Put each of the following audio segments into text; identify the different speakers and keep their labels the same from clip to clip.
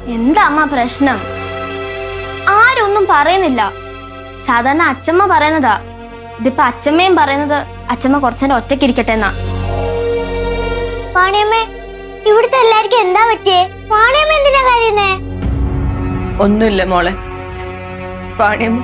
Speaker 1: എന്താ അമ്മ പ്രശ്നം? ആരൊന്നും പറയുന്നില്ല. സാധാരണ അച്ഛമ്മ പറയുന്നതാ. ഇതിപ്പോ അച്ഛമ്മയും പറയുന്നത് അച്ഛമ്മ കുറച്ചേരം ഒറ്റയ്ക്കിരിക്കട്ടെ എന്നാ.
Speaker 2: വാണിയമ്മേ, ഇവിടുത്തെ എല്ലാവർക്കും എന്താ പറ്റിയേ? വാണിയമ്മ എന്തിനാ കഴിയുന്നേ?
Speaker 3: ഒന്നുമില്ല മോളെ. വാണിയമ്മ,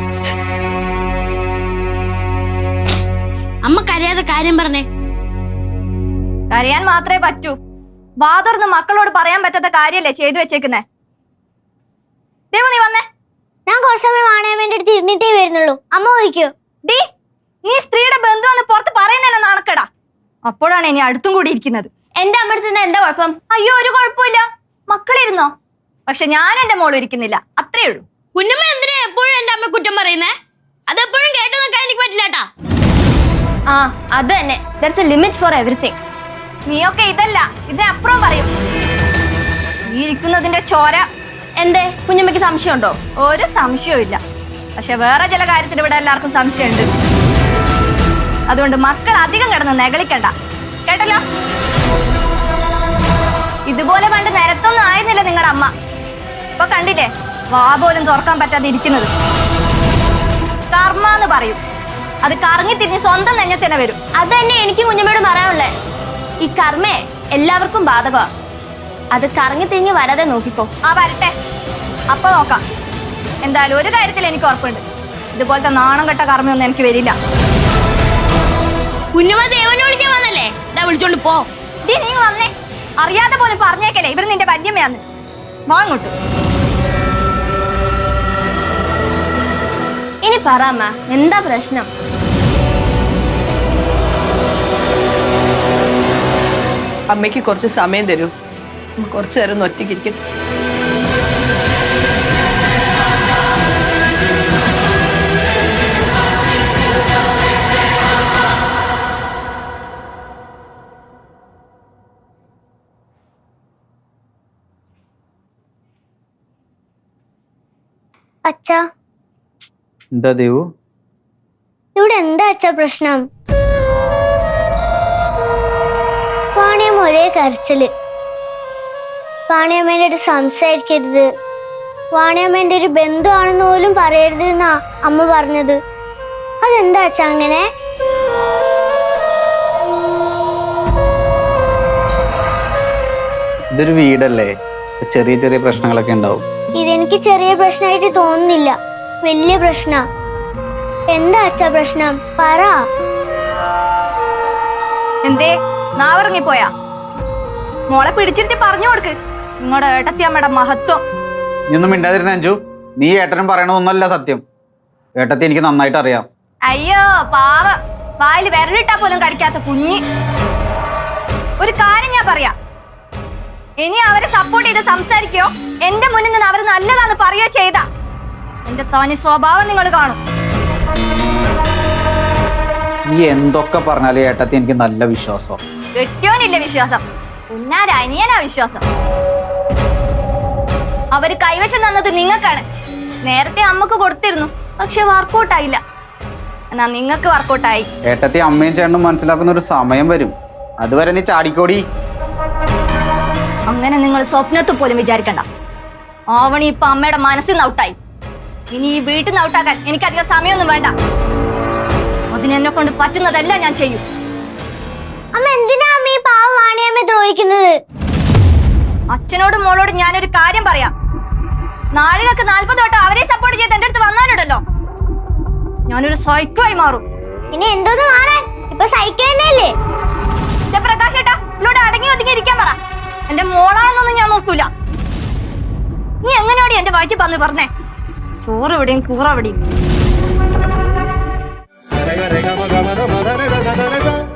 Speaker 4: അമ്മ കരയാതെ കാര്യം പറഞ്ഞേ.
Speaker 5: കരയാൻ മാത്രമേ പറ്റൂ. ബാദർന്ന് മക്കളോട് പറയാൻ പറ്റാത്ത കാര്യല്ലേ ചെയ്തു വെച്ചേക്കുന്നേ. ദേവു, നീ വന്നേ.
Speaker 2: ഞാൻ കുറച്ച് സമയം വാണിയമ്മേന്റെ അടുത്ത് ഇരുന്നിട്ടേ വരുന്നുള്ളൂ. അമ്മ ചോദിക്കൂ.
Speaker 5: ഡീ, നീ സ്ത്രീയുടെ ബന്ധുവെന്ന് പുറത്ത് പറയുന്നല്ലോ നാണക്കടാ. അപ്പോഴാണ് ഇനി അടുത്തും കൂടി ഇരിക്കുന്നത്.
Speaker 1: എന്റെ അമ്മ അടുത്ത് എന്താ കുഴപ്പം?
Speaker 5: അയ്യോ, ഒരു കുഴപ്പമില്ല, മക്കളിരുന്നോ. പക്ഷെ ഞാൻ എന്റെ മോളും ഇരിക്കുന്നില്ല, അത്രേ ഉള്ളൂ.
Speaker 4: കുഞ്ഞമ്മ എന്തിനാ എപ്പോഴും എന്റെ അമ്മ കുറ്റം പറയുന്നേ? അതെപ്പോഴും കേട്ടു നിൽക്കാൻ എനിക്ക് പറ്റില്ലാട്ടാ.
Speaker 1: ആ, അത് തന്നെ. There's a limit for everything.
Speaker 5: നീയൊക്കെ ഇതല്ല, ഇതിനപ്പുറം പറയും. നീ ഇരിക്കുന്നതിന്റെ ചോര.
Speaker 1: എന്തേ, കുഞ്ഞമ്മയ്ക്ക് സംശയമുണ്ടോ?
Speaker 5: ഒരു സംശയവും ഇല്ല. പക്ഷെ വേറെ ചില കാര്യത്തിൽ ഇവിടെ എല്ലാവർക്കും സംശയമുണ്ട്. അതുകൊണ്ട് മക്കൾ അധികം കിടന്ന് നെകളിക്കണ്ട, കേട്ടല്ലോ. ഇതുപോലെ പണ്ട് നിരത്തൊന്നും ആയിരുന്നില്ല നിങ്ങളുടെ അമ്മ. ഇപ്പൊ കണ്ടില്ലേ, വാ പോലും തുറക്കാൻ പറ്റാതെ ഇരിക്കുന്നത്. കർമ്മ എന്ന് പറയും. അത് കറങ്ങി തിരിഞ്ഞ് സ്വന്തം നെഞ്ഞത്തിന് വരും.
Speaker 1: അത് തന്നെ എനിക്കും കുഞ്ഞമ്മയോട് പറയാനുള്ളേ. ഈ കർമ്മേ എല്ലാവർക്കും ബാധകമാ. അത് കറങ്ങി തിരിഞ്ഞ് വരാതെ നോക്കിക്കോ.
Speaker 5: ആ, വരട്ടെ, അപ്പൊ നോക്കാം. എന്തായാലും ഒരു കാര്യത്തിൽ എനിക്ക് ഉറപ്പുണ്ട്, ഇതുപോലത്തെ നാണം കെട്ട കർമ്മയൊന്നും എനിക്ക് വരില്ല.
Speaker 4: കുഞ്ഞമ്മ ദേവനെ വിളിക്കാൻ വന്നല്ലേ? ഇതാ വിളിച്ചോണ്ട് പോ.
Speaker 5: ഡീ, നീ വന്നേ. അറിയാതെ പോലും പറഞ്ഞേക്കല്ലേ ഇവര് നിന്റെ വല്യമ്മയാന്ന്. വാങ്ങോട്ട്.
Speaker 1: ഇനി പറ അമ്മ, എന്താ പ്രശ്നം?
Speaker 3: അമ്മയ്ക്ക് കുറച്ച് സമയം തരൂ. കുറച്ചു നേരം ഒന്ന് ഒറ്റയ്ക്കിരിക്കട്ടെ.
Speaker 2: അച്ഛാ,
Speaker 6: എന്താ ദേവു?
Speaker 2: ഇവിടെ എന്താ അച്ഛാ പ്രശ്നം? വാണിയമ്മ ഒരേ കരച്ചില്. വാണിയമ്മേന്റെ അടുത്ത് സംസാരിക്കരുത്, വാണിയമ്മേന്റെ ഒരു ബന്ധുവാണെന്ന് പോലും പറയരുത് എന്നാ അമ്മ പറഞ്ഞത്. അതെന്താ അച്ഛാ അങ്ങനെ?
Speaker 6: ഇതൊരു വീടല്ലേ, ചെറിയ ചെറിയ പ്രശ്നങ്ങളൊക്കെ ഉണ്ടാവും.
Speaker 2: ഇതെനിക്ക് ചെറിയ പ്രശ്നമായിട്ട് തോന്നുന്നില്ല, വലിയ പ്രശ്ന. എന്താ അച്ഛാ പ്രശ്നം? പറ.
Speaker 5: എന്തേ നാവിറങ്ങിപ്പോയാ? മോളെ പിടിച്ചിരുത്തി പറഞ്ഞു കൊടുക്ക് നിങ്ങളുടെ ഏട്ടത്തിയമ്മയുടെ മഹത്വം.
Speaker 6: നീ ഒന്നും മിണ്ടാതിരുന്ന അഞ്ജു. നീ ഏട്ടനും പറയണതൊന്നല്ല സത്യം. ഏട്ടത്തി എനിക്ക് നന്നായിട്ട് അറിയാം.
Speaker 5: അയ്യോ പാവ, വായിൽ വിരലിട്ടാ പോലും കടിക്കാത്ത കുഞ്ഞി. ഒരു കാര്യം ഞാൻ പറയാം, ഇനി അവരെ സപ്പോർട്ട് ചെയ്ത് സംസാരിക്കോ എന്റെ മുന്നിൽ നിന്ന് അവർ നല്ലതാന്ന് പറയുകയോ ചെയ്ത എന്റെ തനി സ്വഭാവം നിങ്ങൾ കാണും.
Speaker 6: നീ എന്തൊക്കെ പറഞ്ഞാലും ഏട്ടത്തി എനിക്ക് നല്ല വിശ്വാസം.
Speaker 5: കെട്ടിയോനില്ല വിശ്വാസം, ഉന്നാരനിയനാ വിശ്വാസം. അവര് കൈവശം തന്നത് നിങ്ങൾക്കാണ്. നേരത്തെ അമ്മക്ക് കൊടുത്തിരുന്നു, പക്ഷെ വർക്കൗട്ടായില്ല. എന്നാ നിങ്ങൾക്ക് വർക്കൗട്ടായി.
Speaker 6: ഏട്ടത്തി അമ്മയും ചേട്ടനും മനസ്സിലാക്കുന്ന ഒരു സമയം വരും, അതുവരെ നീ ചാടിക്കോടി.
Speaker 5: അങ്ങനെ നിങ്ങൾ സ്വപ്നത്തിൽ പോലും വിചാരിക്കണ്ട. ആവണി ഇപ്പൊ അമ്മയുടെ മനസ്സിൽ നിന്ന് ഔട്ടായി. ഇനി ഈ വീട്ടിൽ നിന്ന് ഔട്ടാക്കാൻ എനിക്കധികം സമയമൊന്നും വേണ്ട. അതിനെന്നെ കൊണ്ട് പറ്റുന്നതെല്ലാം ഞാൻ ചെയ്യും.
Speaker 2: അമ്മ എന്തിനാ അമ്മ ഈ പാവ വാണിയമ്മയെ ദ്രോഹിക്കുന്നത്?
Speaker 5: അച്ഛനോടും മോളോടും ഞാനൊരു കാര്യം പറയാം. നാഴികക്ക് 40 വട്ടം അവരെ സപ്പോർട്ട് ചെയ്ത് എന്റെ അടുത്ത് വന്നാലുണ്ടല്ലോ, ഞാനൊരു സൈക്കോ ആയി മാറും.
Speaker 2: ഇനി എന്തോന്ന് മാറാൻ? ഇപ്പൊ സൈക്കോ തന്നെയല്ലേ?
Speaker 5: പ്രകാശ് ഏട്ടാ, ഇവളോട് അടങ്ങി ഒതുങ്ങി ഇരിക്കാൻ പറ. എന്റെ മോളാണെന്നൊന്നും ഞാൻ നോക്കൂല. നീ എങ്ങനെയോടി എന്റെ വയറ്റിൽ വന്ന് പറഞ്ഞേ? ചോറ് എവിടെയും കൂറ എവിടെയും.